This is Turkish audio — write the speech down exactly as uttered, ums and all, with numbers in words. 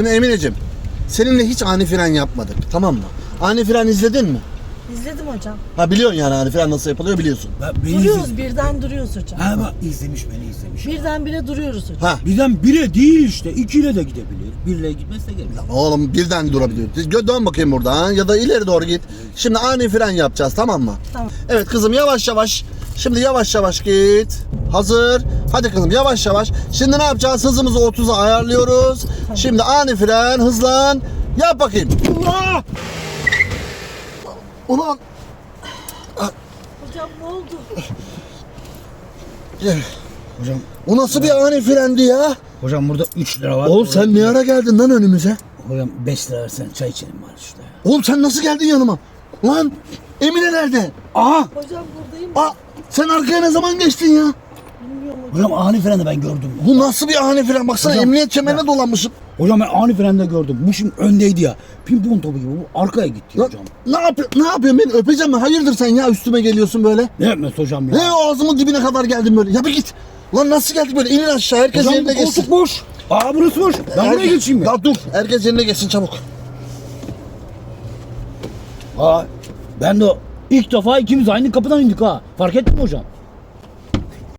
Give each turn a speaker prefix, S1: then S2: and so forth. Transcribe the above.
S1: Şimdi Emineciğim, seninle hiç ani fren yapmadık, tamam mı? Ani fren izledin mi?
S2: İzledim hocam.
S1: Ha biliyorsun yani ani fren nasıl yapılıyor biliyorsun.
S3: Ben, beni
S2: Duruyoruz
S3: izle-
S2: birden duruyoruz hocam.
S3: Ha bak izlemiş beni izlemiş.
S2: Birden bire duruyoruz hocam.
S1: Ha.
S3: Birden bire değil işte. İkiyle de gidebilir. Birle gitmezse gelir.
S1: Oğlum birden durabiliyor. Gö- Dön bakayım buradan ya da ileri doğru git. Şimdi ani fren yapacağız, tamam mı?
S2: Tamam.
S1: Evet kızım, yavaş yavaş. Şimdi yavaş yavaş git. Hazır. Hadi kızım yavaş yavaş. Şimdi ne yapacağız? Hızımızı otuza ayarlıyoruz. Şimdi ani fren, hızlan. Yap bakayım. Allah! Ulan.
S2: Hocam ne oldu?
S1: Gel.
S3: Hocam,
S1: O nasıl bir ani frendi ya?
S3: hocam burada üç lira var.
S1: Oğlum sen ne ara geldin lan önümüze?
S3: Hocam beş lira versen çay içelim var şurada ya.
S1: Oğlum sen nasıl geldin yanıma? Lan Emine nerede?
S3: Aha!
S2: Hocam buradayım.
S1: Aa, sen arkaya ne zaman geçtin ya?
S2: Bilmiyorum hocam.
S3: Hocam ani freni ben gördüm.
S1: Bu nasıl bir ani fren? Baksana
S3: Hocam,
S1: emniyet kemerine dolanmışım.
S3: Hocam ben ani frende gördüm. Bu şimdi öndeydi ya. Pimpon topu gibi bu arkaya gitti
S1: Lan,
S3: hocam.
S1: ne yapıyor? Ne yapıyorsun? Beni öpeceğim mi? Hayırdır sen ya, üstüme geliyorsun böyle?
S3: Ne yapmaz hocam ya?
S1: Ne ağzımın dibine kadar geldin böyle? Ya bir git. Lan nasıl geldik böyle? İnin aşağı, herkes
S3: Hocam
S1: yerine
S3: bu koltuk
S1: geçsin.
S3: boş. Aa burası boş. Ben
S1: Herke-
S3: buraya geçeyim mi?
S1: Ya dur, herkes yerine geçsin çabuk.
S3: Aa ben de o- ilk defa ikimiz aynı kapıdan indik ha. Fark ettin mi hocam?